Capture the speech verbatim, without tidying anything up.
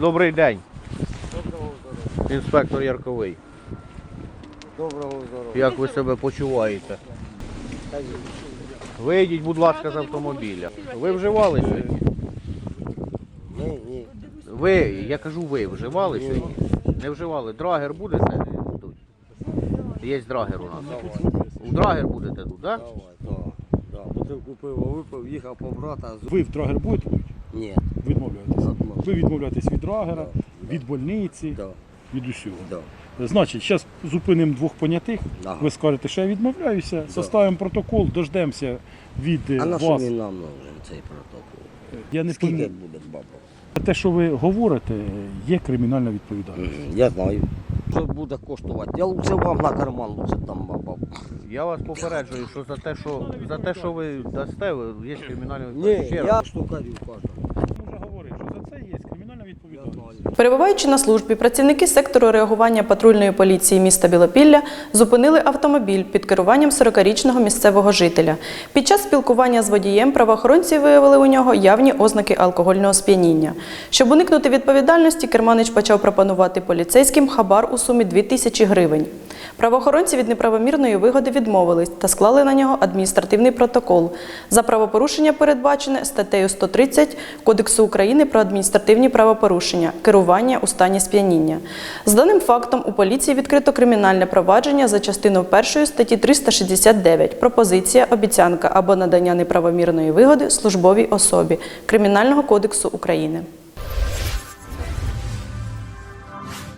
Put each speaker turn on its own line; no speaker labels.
Добрий день.
Доброго здоров'я.
Інспектор Ярковий.
Доброго здоров'я.
Як ви себе почуваєте? Вийдіть, будь ласка, з автомобіля. Ви вживали сьогодні?
Ні, ні.
Ви, я кажу, ви вживали сьогодні? Не вживали. Драгер будете тут? Є драгер у нас. У драгер будете тут, так?
Давай, так. Да. Бутилку пива випив, їхав по брата. з-
Ви в драгер будете пити?
Ні.
Відмовляєтесь.
Відмовляюсь.
Ви відмовляєтесь від драгера, від больниці,
Да.
від усього.
Да.
Значить, зараз зупинимо двох понятих.
Ага.
Ви скажете, що я відмовляюся, составимо протокол, дождемося від е,
А на що
вас.
він нам нужен цей протокол?
Я не
Скільки
пам'ятаю.
буде бабок?
Те, що ви говорите, є кримінальна відповідальність.
Я знаю. Що буде коштувати? Я лучше вам на карман, лучше там бабок.
Я вас попереджую, що за те, що, за те, що ви дасте, ви- є кримінальна
Ні,
відповідальність. Ще раз.
я штукарю кажу.
Ми вже говорили, що за це є кримінальна відповідальність.
Перебуваючи на службі, працівники сектору реагування патрульної поліції міста Білопілля зупинили автомобіль під керуванням сорокарічного місцевого жителя. Під час спілкування з водієм правоохоронці виявили у нього явні ознаки алкогольного сп'яніння. Щоб уникнути відповідальності, керманич почав пропонувати поліцейським хабар у сумі дві тисячі гривень. Правоохоронці від неправомірної вигоди відмовились та склали на нього адміністративний протокол. За правопорушення передбачене статтею сто тридцять Кодексу України про адміністративні правопорушення – керування у стані сп'яніння. З даним фактом у поліції відкрито кримінальне провадження за частиною першої статті триста шістдесят дев'ять «Пропозиція, обіцянка або надання неправомірної вигоди службовій особі» Кримінального кодексу України.